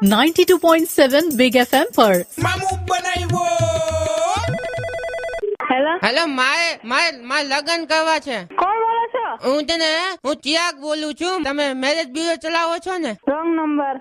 92.7 big FM पर। Hello મારે લગ્ન કરવા છે. કોણ બોલો છો? હું ચિરાગ બોલું છું. તમે મેરેજ બ્યુરો ચલાવો છો ને? Wrong number.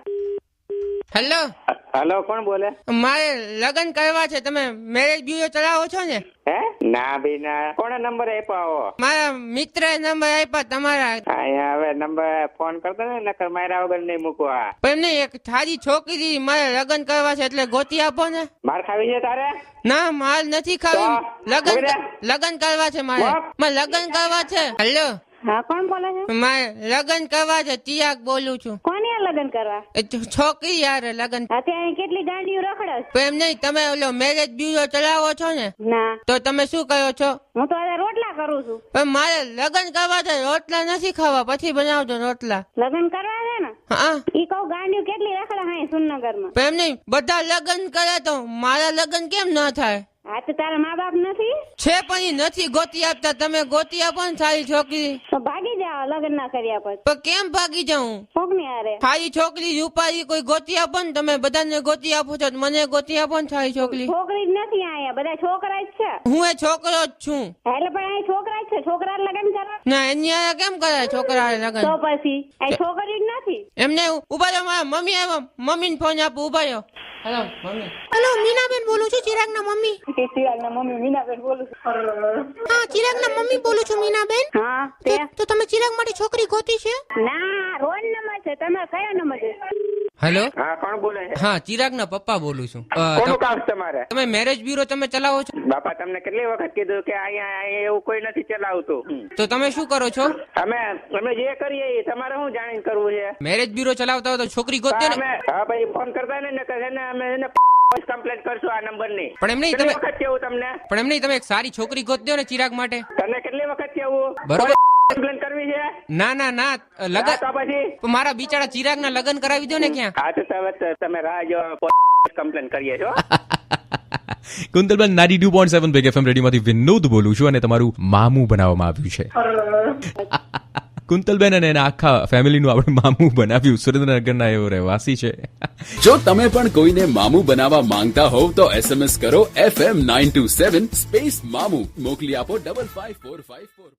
હેલો કોણ બોલે? મારે લગ્ન કરવા છે. તમે મેરેજ બ્યુરો ચલાવો છો ને? હે ના ભાઈ ના. કોણે નંબર આપ્યો? મારા મિત્રએ નંબર આપ્યા તમારા. અહીંયા હવે નંબર ફોન કરતો ને, નકર માર્યા વગર નહીં મૂકવા. પણ એમને એક સારી છોકરી મારે લગ્ન કરવા છે, એટલે ગોતી આપો ને. માર ખાવી છે તારે? ના માર નથી ખાવી. તો? લગ્ન કરવા છે મારે. મારે લગ્ન કરવા છે. હેલો હા, કોણ બોલે છે? મારે લગ્ન કરવા છે. ચિરાગ બોલું છું. કોની યાર લગ્ન કરવા? છોકરી યાર લગ્ન. અત્યારે કેટલી ગાંડીઓ રખડસ? પણ એમ નહીં, તમે ઓલો મેરેજ બ્યુરો ચલાવો છો ને? ના, તો તમે શું કરો છો? હું તો આજે રોટલા કરું છું. પણ મારે લગ્ન કરવા છે. રોટલા નથી ખાવા, પછી બનાવજો રોટલા. લગ્ન કરવા છે ને? હા. ઈ કહું ગાંડીઓ કેટલી રખડે હા સુરનગર માં. પણ એમ નહીં, બધા લગ્ન કરે તો મારા લગ્ન કેમ ન થાય? હા તો તારા મા બાપ નથી? છે પણ ઈ નથી ગોતી આપતા. તમે ગોતી આપો ને સારી છોકરી. તો ભાગી જાઓ લગ્ન ના કર્યા પછી. પણ કેમ ભાગી જાઉં? કોકની હારે? સારી છોકરી રૂપારી કોઈ ગોતી આપો ને. તમે બધાને ગોતી આપો છો, મને ગોતી આપો ને સારી છોકરી. છોકરી જ નથી અહીંયા, બધા છોકરા જ છે. હું એ છોકરો જ છું. એટલે પણ અહીં છોકરા જ છે. છોકરા લગ્ન કરવા? ના એની હારે કેમ કરે છોકરા લગ્ન? તો પછી અહીં છોકરી જ નથી. એમને ઉભા રહ્યો, મારા મમ્મી આવ્યા. મમ્મીને ફોન આપો. ઉભા રહ્યો. Hello mummy. હેલો મીનાબેન બોલું છું, ચિરાગના મમ્મી. ચિરાગના મમ્મી મીનાબેન બોલું છું. હા ચિરાગના મમ્મી બોલું છું મીનાબેન. હા તે તો તમે ચિરાગ માટે છોકરી ગોતી છે? ના, રોડ નંબર છે. તમારે કયો નંબર છે? હેલો હા કોણ બોલે છે? હા ચિરાગના પપ્પા બોલું છું. કોનું કામ છે તમારે? તમે મેરેજ બ્યુરો તમે ચલાવો છો? બાપા તમને કેટલી વખત કીધું કે અહીંયા એવું કોઈ નથી ચલાવતું. તો તમે શું કરો છો? અમે જે કરીએ એ તમારે શું જાણીને કરવું છે? મેરેજ બ્યુરો ચલાવતા હોય તો છોકરી ગોતજો ને. હા ભાઈ ફોન કરતા ને અમે એને કમ્પ્લેટ કરશું આ નંબર ની. પણ એમ નહીં, કેટલી તમે વખત કેવું તમને? પણ એમ નહીં, તમે એક સારી છોકરી ગોતજો ને ચિરાગ માટે. તને કેટલી વખત કેવું? બરોબર. કમ્પ્લેન કરવી છે? ના લગન તો પછી મારા બિચારા ચિરાગના લગન કરાવી દો ને ક્યાં. હા તો તમે રાહ જો કમ્પ્લેન કરીએ છો. કુંતલબેન 92.7 બિગ એફએમ રેડિયોમાંથી વિનોદ બોલું છું અને તમારું મામું બનાવવામાં આવ્યું છે. કુંતલબેન અને એના આખા ફેમિલીનું આપણે મામું બનાવ્યું. સુરેન્દ્રનગરના એવો રહેવાસી છે. જો તમે પણ કોઈને મામું બનાવવા માંગતા હોવ તો SMS કરો FM 927 સ્પેસ મામું. મોકલી આપો 55454.